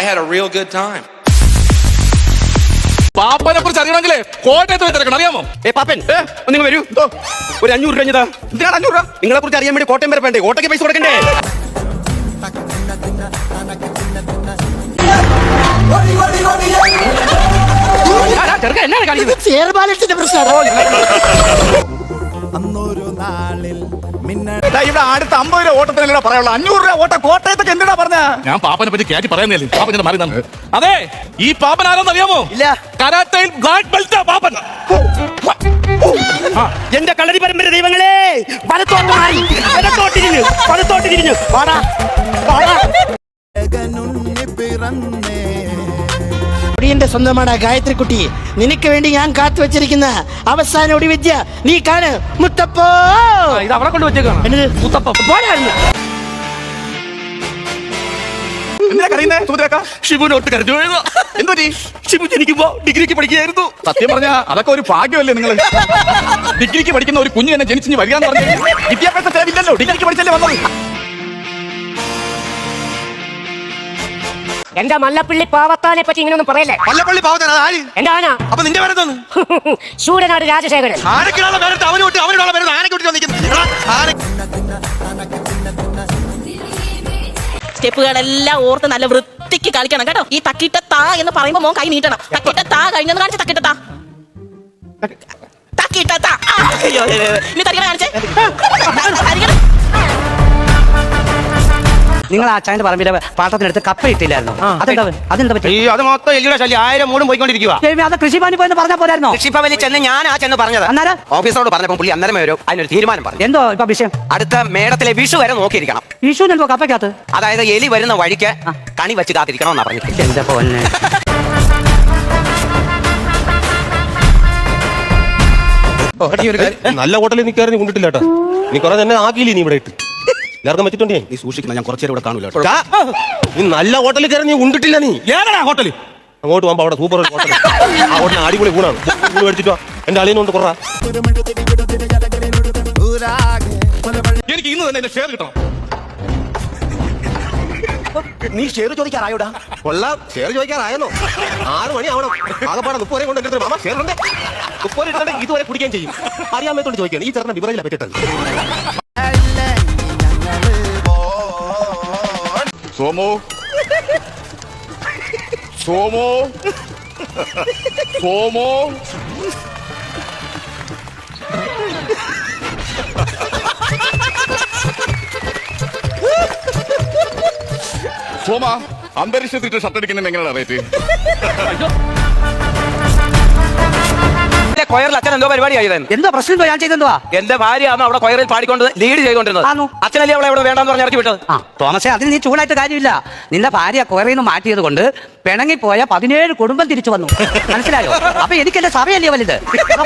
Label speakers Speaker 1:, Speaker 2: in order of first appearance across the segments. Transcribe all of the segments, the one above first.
Speaker 1: had a real good time.
Speaker 2: പാപ്പനെ കുറിച്ച് അറിയണമെങ്കിലേ കോട്ടയത്ത് തിരക്കണം, അറിയാമോ?
Speaker 3: പാപ്പൻ നിങ്ങൾ വരൂ, ഒരു 500 രൂപ. എന്തിനാണ് 500 രൂപ? നിങ്ങളെ കുറിച്ച് അറിയാൻ വേണ്ടി കോട്ടയം വരെ വേണ്ടേ? ഓട്ടോയ്ക്ക് പൈസ കൊടുക്കണ്ടേ? ഇവിടെ അടുത്ത 50 രൂപ ഓട്ടത്തിനല്ല പറയാനുള്ള 500 രൂപ ഓട്ടം കോട്ടയത്തൊക്കെ എന്തിനാ പറഞ്ഞ?
Speaker 2: ഞാൻ പാപ്പനെ പറ്റി കയറ്റി പറയുന്നില്ലേ, പാപ്പൻ ഞാൻ മാറി തന്നെ. അതെ, ഈ പാപ്പൻ ആരാന്ന് അറിയാമോ?
Speaker 3: ഇല്ല.
Speaker 2: കരാത്തയിൽ ബ്ലാക്ക് ബെൽറ്റാ പാപ്പൻ.
Speaker 3: എന്റെ കളരി പരമ്പര ദൈവങ്ങളെ, വലത്തോട്ടിരിഞ്ഞു വാടാ.
Speaker 4: ന്റെ സ്വന്തമാണ് ഗായത്രി കുട്ടി. നിനക്ക് വേണ്ടി ഞാൻ കാത്തു വെച്ചിരിക്കുന്ന അവസാന ഒടിവിദ്യ നീ കാണ്. മുത്തപ്പോ
Speaker 3: ഇത് അവളെ കൊണ്ട് വെച്ചേക്കാണ്. മുത്തപ്പ ഷിബുനോട്ട് കരഞ്ഞു. എന്തോ ഷിബു ജനിക്കുമ്പോ ഡിഗ്രിക്ക് പഠിക്കുകയായിരുന്നു.
Speaker 2: സത്യം പറഞ്ഞ അതൊക്കെ ഒരു ഭാഗ്യമല്ലേ? നിങ്ങൾ ഡിഗ്രിക്ക് പഠിക്കുന്ന ഒരു കുഞ്ഞു എന്നെ ജനിച്ചു വരികയെന്ന് പറഞ്ഞു.
Speaker 3: വിദ്യാഭ്യാസ ചെലവില്ലല്ലോ, ഡിഗ്രിക്ക് പഠിച്ചല്ലേ വന്നത്.
Speaker 5: എന്റെ മല്ലപ്പള്ളി പാവത്താനെ പറ്റി ഇങ്ങനെയൊന്നും പറയല്ലേ.
Speaker 3: മല്ലപ്പള്ളി പാവത്താൻ
Speaker 5: എന്റെ ആന.
Speaker 3: അപ്പൊ നിന്റെ പേര് തോന്നുന്നു
Speaker 5: ശൂരനാട് രാജശേഖരൻ.
Speaker 3: ആനക്കിനുള്ള പേരെടുത്ത് അവനുള്ള പേര് ആനക്കുട്ടി വന്നിരിക്കുന്നു.
Speaker 6: സ്റ്റെപ്പുകളെല്ലാം ഓർത്ത് നല്ല വൃത്തിക്ക് കളിക്കണം കേട്ടോ. ഈ തക്കിട്ട താ എന്ന് പറയുമ്പോ മോൻ കൈ നീട്ടണം. തക്കിട്ട താ കഴിഞ്ഞെന്ന് കാണിച്ച തക്കിട്ട താ. തക്കിട്ട താ. ഇനി തരികട കാണിച്ചേ.
Speaker 5: നിങ്ങൾ ആ ചായന്റെ പറമ്പിലെ പാട്ടത്തിനടുത്ത് കപ്പ ഇട്ടില്ലായിരുന്നു? അതെന്താ പറ്റി?
Speaker 3: അത് മൊത്തം എല്ലിയുടെ ശല്യം 1000 മൂടും പോയിക്കൊണ്ടിരിക്കുക.
Speaker 5: അത് കൃഷിഭവനിൽ പോയെന്ന് പറഞ്ഞാൽ പോരായിരുന്നോ?
Speaker 3: കൃഷിഭവനിൽ ചെന്ന് ഞാൻ ചെന്ന് പറഞ്ഞത്.
Speaker 5: അന്നേരം
Speaker 3: ഓഫീസറോട് പറഞ്ഞപ്പോൾ പുള്ളി അന്നേരം വരും അതിനൊരു തീരുമാനം പറഞ്ഞു.
Speaker 5: എന്തോ ഇപ്പൊ വിഷയം?
Speaker 3: അടുത്ത മേടത്തിലെ വിഷു വരെ നോക്കിയിരിക്കണം.
Speaker 5: വിഷു എന്തോ കപ്പയ്ക്കകത്ത്?
Speaker 3: അതായത് എലി വരുന്ന വഴിക്ക് കണി വെച്ച് കാത്തിരിക്കണം എന്നാ പറഞ്ഞിട്ട്.
Speaker 5: എന്താ പോലെ
Speaker 7: നല്ല ഹോട്ടലിൽ നിൽക്കാറ് നീ കൊണ്ടിട്ടില്ല കേട്ടോ. നീ കുറെ തന്നെ ആക്കിയില്ലേ നീ ഇവിടെ ഇട്ട് എല്ലാവർക്കും വെച്ചിട്ടുണ്ടേ.
Speaker 3: നീ സൂക്ഷിക്കണം, ഞാൻ കുറച്ചേരം ഇവിടെ കാണൂല.
Speaker 7: നീ നല്ല ഹോട്ടലിൽ കയറി നീ ഉണ്ടിട്ടില്ല. നീ
Speaker 2: ഏതാ ഹോട്ടലിൽ?
Speaker 7: അങ്ങോട്ട് പോകുമ്പോ അവിടെ സൂപ്പർ ഹോട്ടൽ, ആ ഹോട്ടലിന് അടിപൊളി ഊണാണ്. ഊണ് മേടിച്ചിട്ടോ എന്റെ അളിയനുണ്ട് കുറ.
Speaker 2: എനിക്ക് ഇന്ന് തന്നെ ഷെയർ കിട്ടണം.
Speaker 3: നീ ഷെയർ ചോദിക്കാറായോടാ?
Speaker 7: കൊള്ളാം, ഷെയർ ചോദിക്കാറായല്ലോ. 6 മണി ആവണം. ആകെപ്പാടെ 30 വരെ കൊണ്ട് മാമ ഷെയർ ഉണ്ട്. 30 ഇട്ടുണ്ടെങ്കിൽ ഇതുവരെ കുടിക്കാൻ ചെയ്യും. അറിയാൻ മേത്തോണ്ട് ചോദിക്കുകയാണ്. ഈ ചെറുക്കൻ ബിവറേജിലാണ് പറ്റിട്ടത്.
Speaker 2: സോമോ സോമോ സോമോ സോമ, അന്തരീക്ഷത്തിട്ട് ഷർട്ട് അടിക്കുന്നതിന് എങ്ങനെയാണ് റേറ്റ്?
Speaker 3: കൊയറിൽ അച്ഛൻ എന്തോ പരിപാടി ആയിരുന്നു.
Speaker 5: എന്തോ പ്രശ്നം ഞാൻ ചെയ്തെന്തുവാ?
Speaker 3: എന്റെ ഭാര്യയാണ് അവിടെ കൊയറിൽ പാടിക്കൊണ്ട് ലീഡ് ചെയ്തുകൊണ്ടിരുന്നത്. അച്ഛനല്ലേ അവളെ ഇവിടെ വേണ്ടെന്ന് പറഞ്ഞ് ഇറക്കി വിട്ടത്.
Speaker 5: തോമസേ, അതിന് നീ ചൂടായിട്ട് കാര്യമില്ല. നിന്റെ ഭാര്യ കൊയറിൽ നിന്ന് മാറ്റിയത് കൊണ്ട് പിണങ്ങിപ്പോയ 17 കുടുംബം തിരിച്ചു വന്നു. മനസ്സിലായോ? അപ്പൊ എനിക്ക് എന്റെ സഭയല്ലേ വലുത്.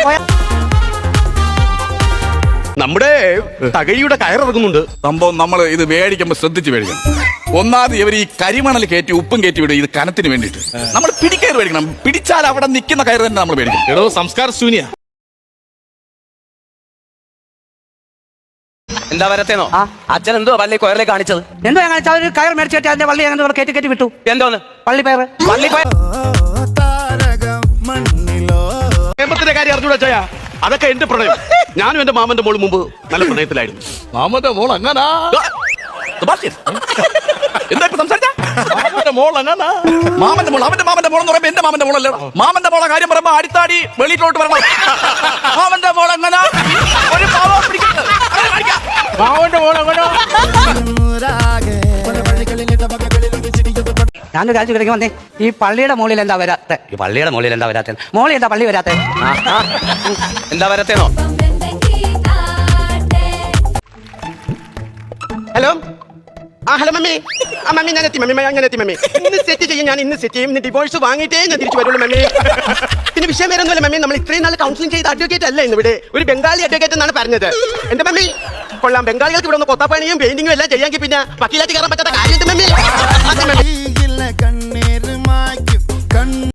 Speaker 7: നമ്മുടെ തകഴിയുടെ കയറിറങ്ങുന്നുണ്ട്.
Speaker 2: സംഭവം നമ്മൾ ഇത് മേടിക്കുമ്പോൾ ശ്രദ്ധിച്ച് മേടിക്കണം. ഒന്നാമത് ഇവർ ഈ കരിമണൽ കയറ്റി ഉപ്പും കയറ്റി വിടും. ഇത് കനത്തിന് വേണ്ടിയിട്ട് നമ്മൾ പിടിക്കയർ മേടിക്കണം. പിടിച്ചാൽ അവിടെ നിൽക്കുന്ന കയറ് തന്നെ നമ്മൾ മേടിക്കണം.
Speaker 7: എടോ, സംസ്കാര ശൂന്യ.
Speaker 3: എന്താ വരത്തേന്നോ? അച്ഛൻ എന്തോ പള്ളി കൊയറിലെ കാണിച്ചത്?
Speaker 5: എന്തോ ഞാൻ കാണിച്ചാൽ ഒരു കയർ മേടിച്ചു കെട്ടി അതിന്റെ വള്ളി അങ്ങനെ കയറ്റി വിട്ടു.
Speaker 3: എന്തോന്ന്
Speaker 5: പള്ളിപ്പയർ?
Speaker 7: പ്രേമത്തിന്റെ കാര്യം അറിഞ്ഞൂടാ ചായ? അതൊക്കെ എന്റെ പ്രണയം. ഞാനും എന്റെ മാമന്റെ മോള് മുമ്പ് നല്ല പ്രണയത്തിലായിരുന്നു.
Speaker 2: മാമന്റെ മോൾ അങ്ങനാ?
Speaker 3: എന്താ ഇപ്പൊ സംസാരിച്ച?
Speaker 2: മാമന്റെ മോൾ അങ്ങനാ? മാമന്റെ മോൾ, അവന്റെ മാമന്റെ മോൾ എന്ന് പറയുമ്പോ എന്റെ മാമന്റെ മോളല്ലേ? മാമന്റെ മോളെ കാര്യം പറയുമ്പോ അടിത്താടി വെളിയിലോട്ട് വരണം. മാമന്റെ മോൾ അങ്ങനെ ഒരു പാവം പിടിക്കുന്നത്. മാമന്റെ മോൾ അങ്ങനെ
Speaker 5: ഞാനൊരു കാര്യം ചോദിക്കാൻ വന്നേ. ഈ പള്ളിയുടെ മുകളിൽ എന്താ വരാത്തെ? ഈ പള്ളിയുടെ മുകളിൽ എന്താ വരാത്തെ? മോളിൽ എന്താ പള്ളി വരാത്തെ?
Speaker 3: എന്താ വരത്തേന്നോ?
Speaker 4: ഹലോ. Hello mummy. മമ്മി ഞാൻ എത്തി. മമ്മി ഇന്ന് സെറ്റ് ചെയ്യും. ഞാൻ ഇന്ന് സെറ്റ് ചെയ്യും. ഡിവോഴ്സ് വാങ്ങിയിട്ടേ ഞാൻ തിരിച്ചു വരുള്ളൂ മമ്മി. പിന്നെ വിഷയം വേറെ ഒന്നുമല്ല മമ്മി. നമ്മൾ ഇത്രയും നാൾ കൗൺസിലിംഗ് ചെയ്ത അഡ്വക്കേറ്റ് അല്ല ഇന്നിവിടെ. ഒരു ബംഗാളി അഡ്വക്കേറ്റ് എന്നാണ് പറഞ്ഞത്. എന്റെ മമ്മി കൊള്ളാം. ബംഗാളികൾക്ക് ഇവിടെ ഒന്ന് കൊത്താപ്പണിയും പെയിന്റിങ്ങും എല്ലാം ചെയ്യാമെങ്കിൽ പിന്നെ വക്കീലായിട്ട് കയറാൻ പറ്റാത്ത കാര്യം മമ്മി.